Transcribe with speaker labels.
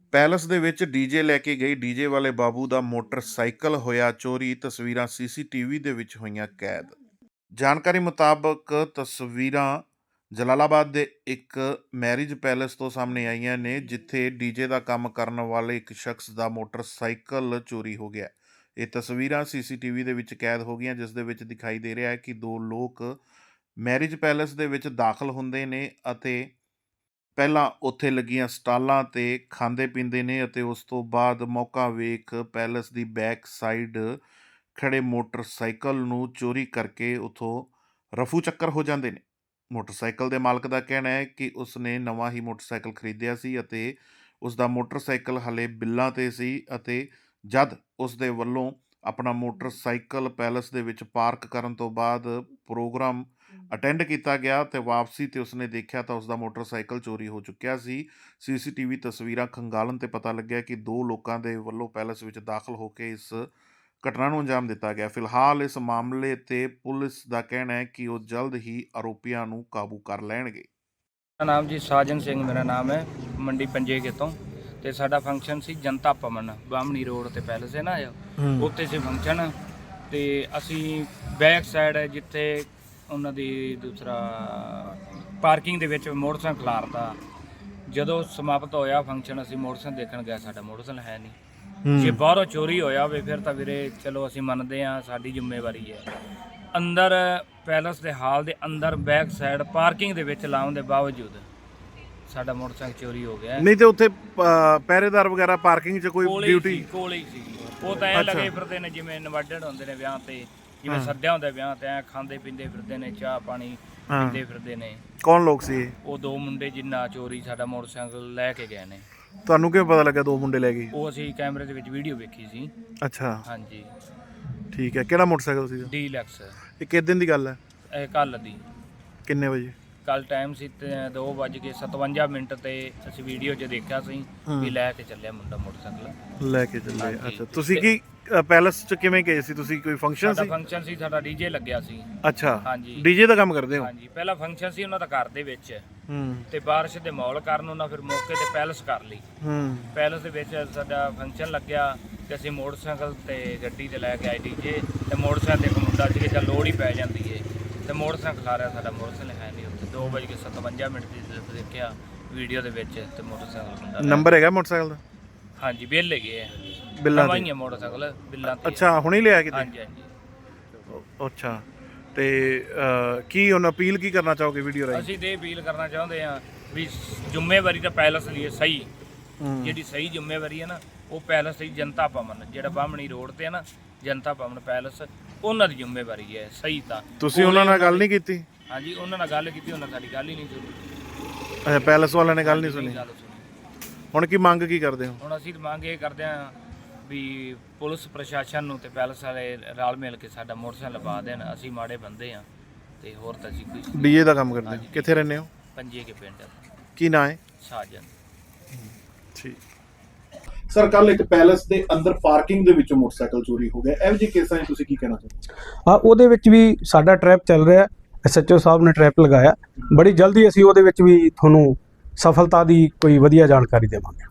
Speaker 1: Palace ਦੇ ਵਿੱਚ DJ ਲੈ ਕੇ ਗਈ ਡੀਜੇ ਵਾਲੇ ਬਾਬੂ ਦਾ ਮੋਟਰਸਾਈਕਲ ਹੋਇਆ ਚੋਰੀ। ਤਸਵੀਰਾਂ ਸੀਸੀਟੀਵੀ ਦੇ ਵਿੱਚ ਹੋਈਆਂ ਕੈਦ। ਜਾਣਕਾਰੀ ਮੁਤਾਬਕ ਤਸਵੀਰਾਂ ਜਲਾਲਾਬਾਦ ਦੇ ਇੱਕ ਮੈਰਿਜ ਪੈਲਸ ਤੋਂ ਸਾਹਮਣੇ ਆਈਆਂ ਨੇ, ਜਿੱਥੇ ਡੀਜੇ ਦਾ ਕੰਮ ਕਰਨ ਵਾਲੇ ਇੱਕ ਸ਼ਖਸ ਦਾ ਮੋਟਰਸਾਈਕਲ ਚੋਰੀ ਹੋ ਗਿਆ। ਇਹ ਤਸਵੀਰਾਂ ਸੀਸੀਟੀਵੀ ਦੇ ਵਿੱਚ ਕੈਦ ਹੋ ਗਈਆਂ, ਜਿਸ ਦੇ ਵਿੱਚ ਦਿਖਾਈ ਦੇ ਰਿਹਾ ਹੈ ਕਿ ਦੋ ਲੋਕ ਮੈਰਿਜ ਪੈਲਸ ਦੇ ਵਿੱਚ ਦਾਖਲ ਹੁੰਦੇ ਨੇ ਅਤੇ ਪਹਿਲਾਂ ਉੱਥੇ ਲੱਗੀਆਂ ਸਟਾਲਾਂ 'ਤੇ ਖਾਂਦੇ ਪੀਂਦੇ ਨੇ ਅਤੇ ਉਸ ਤੋਂ ਬਾਅਦ ਮੌਕਾ ਵੇਖ ਪੈਲਸ ਦੀ ਬੈਕ ਸਾਈਡ ਖੜ੍ਹੇ ਮੋਟਰਸਾਈਕਲ ਨੂੰ ਚੋਰੀ ਕਰਕੇ ਉੱਥੋਂ ਰਫੂ ਚੱਕਰ ਹੋ ਜਾਂਦੇ ਨੇ। ਮੋਟਰਸਾਈਕਲ ਦੇ ਮਾਲਕ ਦਾ ਕਹਿਣਾ ਹੈ ਕਿ ਉਸ ਨੇ ਨਵਾਂ ਹੀ ਮੋਟਰਸਾਈਕਲ ਖਰੀਦਿਆ ਸੀ ਅਤੇ ਉਸ ਦਾ ਮੋਟਰਸਾਈਕਲ ਹਾਲੇ ਬਿੱਲਾਂ 'ਤੇ ਸੀ ਅਤੇ ਜਦ ਉਸ ਦੇ ਵੱਲੋਂ ਆਪਣਾ ਮੋਟਰਸਾਈਕਲ ਪੈਲਸ ਦੇ ਵਿੱਚ ਪਾਰਕ ਕਰਨ ਤੋਂ ਬਾਅਦ ਪ੍ਰੋਗਰਾਮ ਅਟੈਂਡ ਕੀਤਾ ਗਿਆ ਤੇ ਵਾਪਸੀ ਤੇ ਉਸਨੇ ਦੇਖਿਆ ਤਾਂ ਉਸਦਾ ਮੋਟਰਸਾਈਕਲ ਚੋਰੀ ਹੋ ਚੁੱਕਿਆ ਸੀ। ਸੀਸੀਟੀਵੀ ਤਸਵੀਰਾਂ ਖੰਗਾਲਣ ਤੇ ਪਤਾ ਲੱਗਿਆ ਕਿ ਦੋ ਲੋਕਾਂ ਦੇ ਵੱਲੋਂ ਪੈਲਸ ਵਿੱਚ ਦਾਖਲ ਹੋ ਕੇ ਇਸ ਘਟਨਾ ਨੂੰ ਅੰਜਾਮ ਦਿੱਤਾ ਗਿਆ। ਫਿਲਹਾਲ ਇਸ ਮਾਮਲੇ ਤੇ ਪੁਲਿਸ ਦਾ ਕਹਿਣਾ ਹੈ ਕਿ ਉਹ ਜਲਦ ਹੀ ਆਰੋਪੀਆਂ ਨੂੰ ਕਾਬੂ ਕਰ ਲੈਣਗੇ।
Speaker 2: ਮੇਰਾ ਨਾਮ ਜੀ ਸਾਜਨ ਸਿੰਘ ਮੇਰਾ ਨਾਮ ਹੈ, ਮੰਡੀ ਪੰਜੇਕੇ ਤੋਂ। ਤੇ ਸਾਡਾ ਫੰਕਸ਼ਨ ਸੀ ਜਨਤਾ ਭਵਨ ਬਾਹਮਣੀ ਰੋਡ ਤੇ ਪੈਲਸ ਹੈ ਨਾ, ਉੱਥੇ ਸੀ ਫੰਕਸ਼ਨ। ਤੇ ਅਸੀਂ ਬੈਕ ਸਾਈਡ ਜਿੱਥੇ ਉਹਨਾਂ ਦੀ ਦੂਸਰਾ ਪਾਰਕਿੰਗ ਦੇ ਵਿੱਚ ਮੋਟਰਸਾਈਕਲ ਖਲਾਰਤਾ। ਜਦੋਂ ਸਮਾਪਤ ਹੋਇਆ ਫੰਕਸ਼ਨ ਅਸੀਂ ਮੋਟਰਸਾਈਕਲ ਦੇਖਣ ਗਏ, ਸਾਡਾ ਮੋਟਰਸਾਈਕਲ ਹੈ ਨਹੀਂ। ਜੇ ਬਾਹਰੋਂ ਚੋਰੀ ਹੋਇਆ ਹੋਵੇ ਫਿਰ ਤਾਂ ਵੀਰੇ ਚਲੋ ਅਸੀਂ ਮੰਨਦੇ ਹਾਂ, ਸਾਡੀ ਜ਼ਿੰਮੇਵਾਰੀ ਹੈ। ਅੰਦਰ ਪੈਲਸ ਦੇ ਹਾਲ ਦੇ ਅੰਦਰ ਬੈਕ ਸਾਈਡ ਪਾਰਕਿੰਗ ਦੇ ਵਿੱਚ ਲਾਉਣ ਦੇ ਬਾਵਜੂਦ ਸਾਡਾ ਮੋਟਰਸਾਈਕਲ ਚੋਰੀ ਹੋ ਗਿਆ।
Speaker 1: ਨਹੀਂ ਤੇ ਉੱਥੇ ਪਹਿਰੇਦਾਰ ਵਗੈਰਾ ਪਾਰਕਿੰਗ 'ਚ ਕੋਈ ਡਿਊਟੀ
Speaker 2: ਕੋਲ ਹੀ ਸੀ। ਉਹ ਤਾਂ ਐਂ ਲੱਗੇ ਫਿਰਦੇ ਨੇ ਜਿਵੇਂ ਇਨਵਾਈਟਡ ਹੁੰਦੇ ਨੇ ਵਿਆਹ ਤੇ, ਜਿਵੇਂ ਸੱਦਿਆ ਹੁੰਦਾ ਵਿਆਹ ਤੇ, ਐਂ ਖਾਂਦੇ ਪੀਂਦੇ ਫਿਰਦੇ ਨੇ, ਚਾਹ ਪਾਣੀ ਪੀਂਦੇ ਫਿਰਦੇ ਨੇ।
Speaker 1: ਕੌਣ ਲੋਕ ਸੀ
Speaker 2: ਉਹ ਦੋ ਮੁੰਡੇ ਜਿੰਨਾ ਚੋਰੀ ਸਾਡਾ ਮੋਟਰਸਾਈਕਲ ਲੈ ਕੇ ਗਏ ਨੇ।
Speaker 1: ਤੁਹਾਨੂੰ ਕਿਵੇਂ ਪਤਾ ਲੱਗਾ ਦੋ ਮੁੰਡੇ ਲੈ ਗਏ?
Speaker 2: ਉਹ ਅਸੀਂ ਕੈਮਰੇ ਦੇ ਵਿੱਚ ਵੀਡੀਓ ਵੇਖੀ ਸੀ।
Speaker 1: ਅੱਛਾ,
Speaker 2: ਹਾਂਜੀ
Speaker 1: ਠੀਕ ਹੈ। ਕਿਹੜਾ ਮੋਟਰਸਾਈਕਲ ਸੀ?
Speaker 2: ਡੀਲੈਕਸ।
Speaker 1: ਇਹ ਕਿਸ ਦਿਨ ਦੀ ਗੱਲ ਹੈ?
Speaker 2: ਇਹ ਕੱਲ ਦੀ।
Speaker 1: ਕਿੰਨੇ ਵਜੇ?
Speaker 2: ਕੱਲ ਟਾਈਮ ਸੀ 2:57 ਤੇ ਅਸੀਂ ਵੀਡੀਓ 'ਚ ਦੇਖਿਆ ਸੀ ਵੀ ਲੈ ਕੇ ਚੱਲਿਆ ਮੁੰਡਾ ਮੋਟਰਸਾਈਕਲ
Speaker 1: ਲੈ ਕੇ ਚੱਲੇ। ਅੱਛਾ, ਤੁਸੀਂ ਕੀ ਪੈਲਸ 'ਚ ਕਿਵੇਂ ਗਏ ਸੀ? ਤੁਸੀਂ ਕੋਈ ਫੰਕਸ਼ਨ ਸੀ?
Speaker 2: ਫੰਕਸ਼ਨ ਸੀ ਸਾਡਾ, ਡੀਜੇ ਲੱਗਿਆ ਸੀ।
Speaker 1: ਅੱਛਾ,
Speaker 2: ਹਾਂਜੀ,
Speaker 1: ਡੀਜੇ ਦਾ ਕੰਮ ਕਰਦੇ ਹੋ?
Speaker 2: ਹਾਂਜੀ, ਪਹਿਲਾ ਫੰਕਸ਼ਨ ਸੀ ਉਹਨਾਂ ਦਾ ਘਰ ਦੇ ਵਿੱਚ ਤੇ ਬਾਰਿਸ਼ ਦੇ ਮਾਹੌਲ ਕਾਰਨ ਉਹਨਾਂ ਫਿਰ ਮੌਕੇ ਤੇ ਪੈਲਸ ਕਰ ਲਈ। ਪੈਲਸ ਦੇ ਵਿੱਚ ਸਾਡਾ ਫੰਕਸ਼ਨ ਲੱਗਿਆ ਤੇ ਅਸੀਂ ਮੋਟਰਸਾਈਕਲ ਤੇ ਗੱਡੀ ਤੇ ਲੈ ਕੇ ਆਏ ਡੀਜੇ ਤੇ ਮੋਟਰਸਾਈਕਲ ਤੇ ਇੱਕ ਮੁੰਡਾ ਸੀ ਕਿ ਲੋੜ ਹੀ ਪੈ ਜਾਂਦੀ ਏ ਤੇ ਮੋਟਰਸਾਈਕਲ ਖਾ ਰਿਹਾ, ਸਾਡਾ ਮੋਟਰਸਾਈਕਲ ਹੈ ਨਹੀਂ ਉੱਥੇ। 2:57 ਦੀ ਦੇਖਿਆ ਵੀਡੀਓ ਦੇ ਵਿੱਚ ਤੇ ਮੋਟਰਸਾਈਕਲ ਮੁੰਡਾ।
Speaker 1: ਨੰਬਰ ਹੈਗਾ ਮੋਟਰਸਾਈਕਲ ਦਾ?
Speaker 2: ਹਾਂਜੀ, ਬਿੱਲ ਹੈਗੇ ਆ,
Speaker 1: ਬਿੱਲਾਂ
Speaker 2: ਨਵਾਂ ਹੀ ਹੈ ਮੋਟਰਸਾਈਕਲ, ਬਿੱਲਾਂ ਤੇ।
Speaker 1: ਅੱਛਾ, ਹੁਣੇ ਲਿਆ ਕਿਤੇ?
Speaker 2: ਹਾਂਜੀ ਹਾਂਜੀ।
Speaker 1: ਅੱਛਾ, ਤੇ ਕੀ ਹੁਣ ਅਪੀਲ ਕੀ ਕਰਨਾ ਚਾਹੋਗੇ ਵੀਡੀਓ ਰਾਹੀਂ?
Speaker 2: ਅਸੀਂ ਤੇ ਅਪੀਲ ਕਰਨਾ ਚਾਹੁੰਦੇ ਹਾਂ ਵੀ ਜ਼ਿੰਮੇਵਾਰੀ ਤਾਂ ਪੈਲਸ ਦੀ ਹੈ ਸਹੀ, ਜਿਹੜੀ ਸਹੀ ਜ਼ਿੰਮੇਵਾਰੀ ਹੈ ਨਾ ਉਹ ਪੈਲਸ ਦੀ। ਜਨਤਾ ਭਵਨ ਜਿਹੜਾ ਬਾਹਮਣੀ ਰੋਡ ਤੇ ਹੈ ਨਾ, ਜਨਤਾ ਭਵਨ ਪੈਲਸ, ਉਹਨਾਂ ਦੀ ਜ਼ਿੰਮੇਵਾਰੀ ਹੈ ਸਹੀ। ਤਾਂ ਤੁਸੀਂ
Speaker 1: ਉਹਨਾਂ ਨਾਲ ਗੱਲ ਨਹੀਂ ਕੀਤੀ?
Speaker 2: ਹਾਂਜੀ, ਉਹਨਾਂ ਨਾਲ ਗੱਲ ਕੀਤੀ, ਉਹਨਾਂ ਸਾਡੀ ਗੱਲ ਹੀ ਨਹੀਂ ਸੁਣੀ।
Speaker 1: ਅੱਛਾ, ਪੈਲਸ ਵਾਲਿਆਂ ਨੇ ਗੱਲ ਨਹੀਂ ਸੁਣੀ। ਹੁਣ ਕੀ ਮੰਗ ਕੀ ਕਰਦੇ ਹੋ?
Speaker 2: ਹੁਣ ਅਸੀਂ ਮੰਗ ਇਹ ਕਰਦੇ ਹਾਂ ਵੀ ਪੁਲਿਸ ਪ੍ਰਸ਼ਾਸਨ ਨੂੰ ਤੇ ਪੈਲਸ ਵਾਲੇ ਰਲ ਮਿਲ ਕੇ ਸਾਡਾ ਮੋਟਰਸਾਈਕਲ ਲਵਾ ਦੇਣ। ਅਸੀਂ ਮਾੜੇ ਬੰਦੇ ਹਾਂ ਤੇ ਹੋਰ ਤਾਂ ਅਸੀਂ ਕੋਈ।
Speaker 1: ਡੀਜੇ ਦਾ ਕੰਮ ਕਰਦੇ ਹੋ? ਕਿੱਥੇ ਰਹਿੰਦੇ ਹੋ?
Speaker 2: ਪੰਜੇਕੇ ਪਿੰਡ।
Speaker 1: ਕੀ ਨਾਂ ਹੈ?
Speaker 2: ਸਾਜਨ।
Speaker 1: ਠੀਕ
Speaker 3: ਸਰ, ਕੱਲ ਇੱਕ ਪੈਲਸ ਦੇ ਅੰਦਰ ਪਾਰਕਿੰਗ ਦੇ ਵਿੱਚੋਂ ਮੋਟਰਸਾਈਕਲ ਚੋਰੀ ਹੋ ਗਿਆ। ਇਹੋ ਜਿਹੇ ਕੇਸਾਂ 'ਚ ਤੁਸੀਂ ਕੀ ਕਹਿਣਾ ਚਾਹੁੰਦੇ?
Speaker 4: ਹਾਂ, ਉਹਦੇ ਵਿੱਚ ਵੀ ਸਾਡਾ ਟਰੈਪ ਚੱਲ ਰਿਹਾ। SHO ਸਾਹਿਬ ਨੇ ਟਰੈਪ ਲਗਾਇਆ। ਬੜੀ ਜਲਦੀ ਅਸੀਂ ਉਹਦੇ ਵਿੱਚ ਵੀ ਤੁਹਾਨੂੰ ਸਫਲਤਾ ਦੀ ਕੋਈ ਵਧੀਆ ਜਾਣਕਾਰੀ ਦੇਵਾਂਗੇ।